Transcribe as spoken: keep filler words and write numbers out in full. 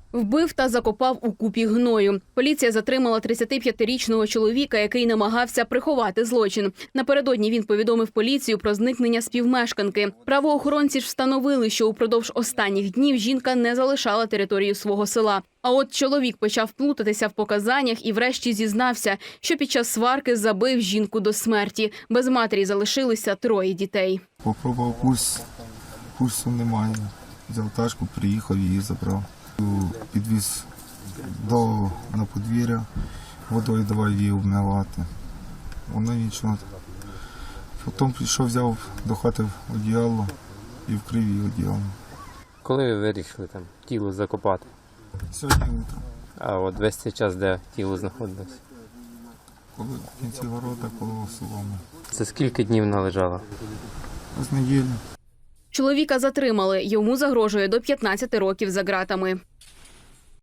Вбив та закопав у купі гною. Поліція затримала тридцятип'ятирічного чоловіка, який намагався приховати злочин. Напередодні він повідомив поліцію про зникнення співмешканки. Правоохоронці ж встановили, що упродовж останніх днів жінка не залишала територію свого села. А от чоловік почав плутатися в показаннях і врешті зізнався, що під час сварки забив жінку до смерті. Без матері залишилися троє дітей. Попробував пульс, пульсу немає. Взяв тачку, приїхав, її забрав. Підвіз до, на подвір'я, водою давай її обмивати. Вона нічого. Потім прийшов, взяв до хати одіяло і вкрив її одіялом. Коли ви вирішили там тіло закопати? Сьогодні утром. А от весь цей час, де тіло знаходилось? Коли в кінці города, коло соломи. Це скільки днів вона лежала? З неділі. Чоловіка затримали. Йому загрожує до п'ятнадцяти років за ґратами.